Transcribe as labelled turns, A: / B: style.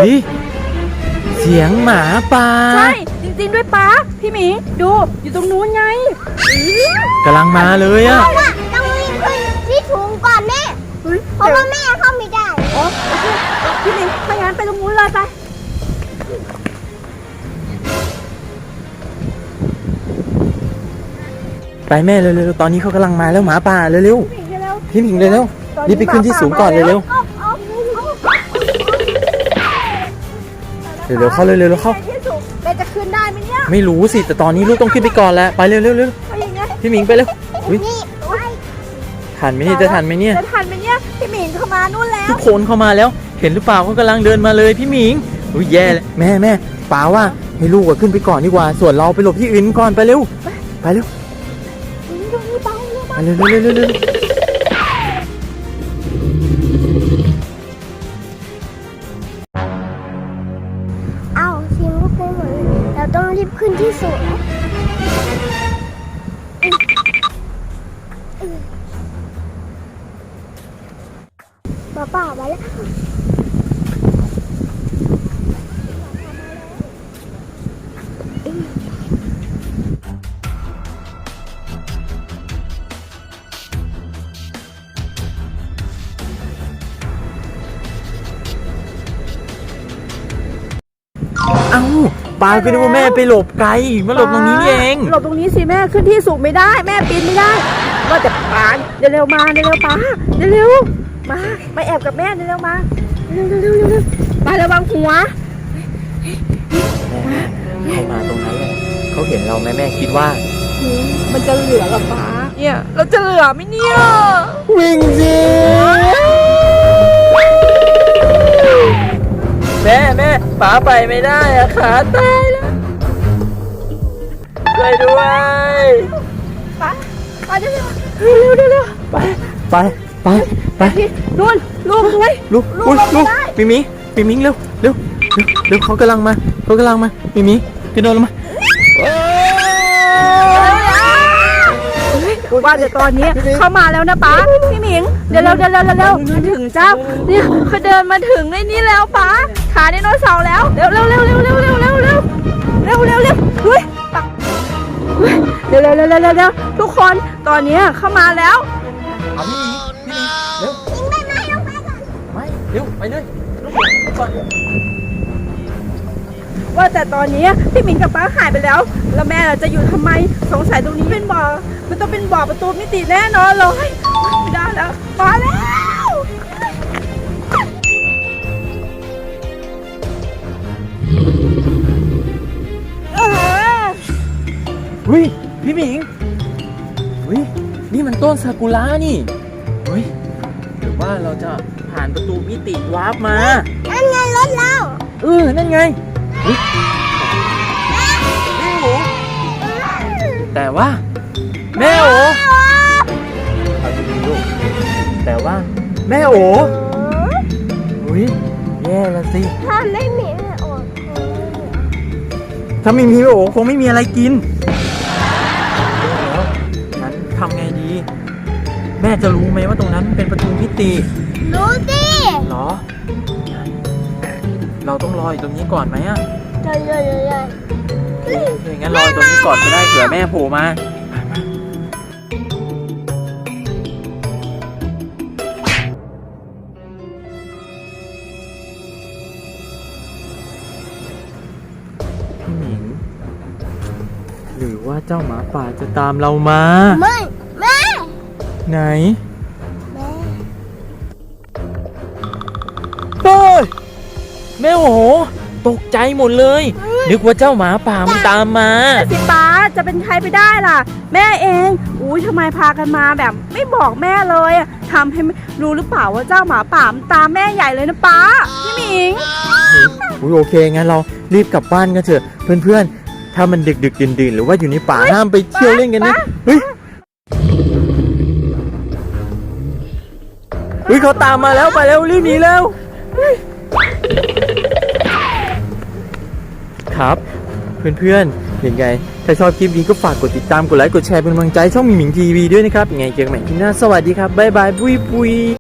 A: ฮ้ยเสียงหมาป่า
B: ใช่จริงๆด้วยป้าพี่หมีดูอยู่ตรงนู้นไง
A: กำลังมาเลยอะ
C: ต้องรีบขึ้นที่สูงก่อนแม่เพราะว่าแม่เข้าไม่ได้
B: โอเคพี่หมีไปงั้นไปตรงนู้นเลย
A: ไปแม่เร็วๆตอนนี้เขากำลังมาแล้วหมาป่าเร็วๆพี่หมิงเร็วๆรีบไปขึ้นที่สูงก่อนเร็วๆเข้าเร็วๆเข้า
B: แม่จะขึ้นได้ไหมเนี่ย
A: ไม่รู้สิแต่ตอนนี้ลูกต้องขึ้นไปก่อนแล้วไปเร็วๆพี่หมิงไปเร็วทันไหมเนี่ยจะทันไหมเนี่ย
B: พี่หมิงเข้ามานู่นแล้ว
A: ทุกคนเข้ามาแล้วเห็นหรือเปล่าเขากำลังเดินมาเลยพี่หมิงอุ้ยแย่เลยแม่ป๋าว่าให้ลูกขึ้นไปก่อนดีกว่าส่วนเราไปหลบที่อื่นก่อนไปเร็วไปเร็ว
C: เอาชิมก็ไปหมดเราต้องรีบขึ้นที่สูงป้ามาแล้ว
A: เอ้าปาก็นึกว่าแม่ไปหลบไกลมาหลบตรงนี้เอง
B: หลบตรงนี้สิแม่ขึ้นที่สูงไม่ได้แม่ปีนไม่ได้ก็จะปาเร็วมาเร็วป้าเร็วมาแอบกับแม่เร็วมาเร็วไประวังหัว
A: เขามาตรงนั้นเลยเขาเห็นเราแม่คิดว่า
B: มันจะเหลือหรอป้าเนี่ยเราจะเหลือไหมเนี่ย
A: วิ่งสิแม่ป๋าไปไม่ได้อะขาตายแล้วช่วยด้วย
B: ป้าเร็ว
A: ไป
B: นู่นลูกด้วย
A: ลูกมิมิงเร็วเขากำลังมามิมิกระโดดลงมา
B: ว่าแต่ตอนนี้เข้ามาแล้วนะป้าพี่หมิงเดี๋ยวมาถึงเจ้าเนี่ยเขาเดินมาถึงในนี้แล้วป้าขาไดโนเสาร์แล้วเร็วเฮ้ยเร็วทุกคนตอนนี้เข้ามาแล้ว
A: พี่หมิงเร็วไม่เร็วไปเลยก่อน
B: ว่าแต่ตอนนี้พี่หมิงกับป้าหายไปแล้วแล้วแม่เราจะอยู่ทำไมสงสัยตรงนี้เป็นบ่อมันต้องเป็นบ่อประตูมิติแน่นอนเลยไม่ได้แล้วมาแล้ว
A: พี่หมิงนี่มันต้นซากุระนี่หรือว่าเราจะผ่านประตูมิติวาร์ปมา
C: นั่นไงรถเรา
A: นั่นไงแต่ว่าแม่โอเอาดีๆลูกแต่ว่าแม่โอแย่ละสิ
C: ถ้าไม่มีแม่โอ
A: ถ้าไม่มีแม่โอคงไม่มีอะไรกินงั้นทำไงดีแม่จะรู้ไหมว่าตรงนั้นเป็นประตูมิติ
C: รู้สิ
A: เหรอเราต้องรออยู่ตรงนี้ก่อนไหมอ่ะงั้นรอตรงนี้ก่อนก็ได้เผื่อแม่โผล่มาพี่หมิงหรือว่าเจ้าหมาป่าจะตามเรามา
C: ไม่แม่
A: ไหนแม่โอ้โหตกใจหมดเลยนึกว่าเจ้าหมาป่ามันตามมา
B: สิป้าจะเป็นใครไปได้ล่ะแม่เองทำไมพากันมาแบบไม่บอกแม่เลยทำให้รู้หรือเปล่าว่าเจ้าหมาป่ามันตามแม่ใหญ่เลยนะป้าพี่หมิง
A: โอเคงั้นเรารีบกลับบ้านกันเถอะเพื่อนๆถ้ามันดึกดื่นหรือว่าอยู่ในป่าห้ามไปเที่ยวเล่นกันนะเขาตามมาแล้วไปแล้วรีบหนีแล้วครับเพื่อนๆยังไงถ้าชอบคลิปนี้ก็ฝากกดติดตามกดไลค์กดแชร์เป็นกำลังใจช่องหมิงทีวีด้วยนะครับยังไงเจอกันใหม่คลิปหน้าสวัสดีครับบ๊ายบายปุย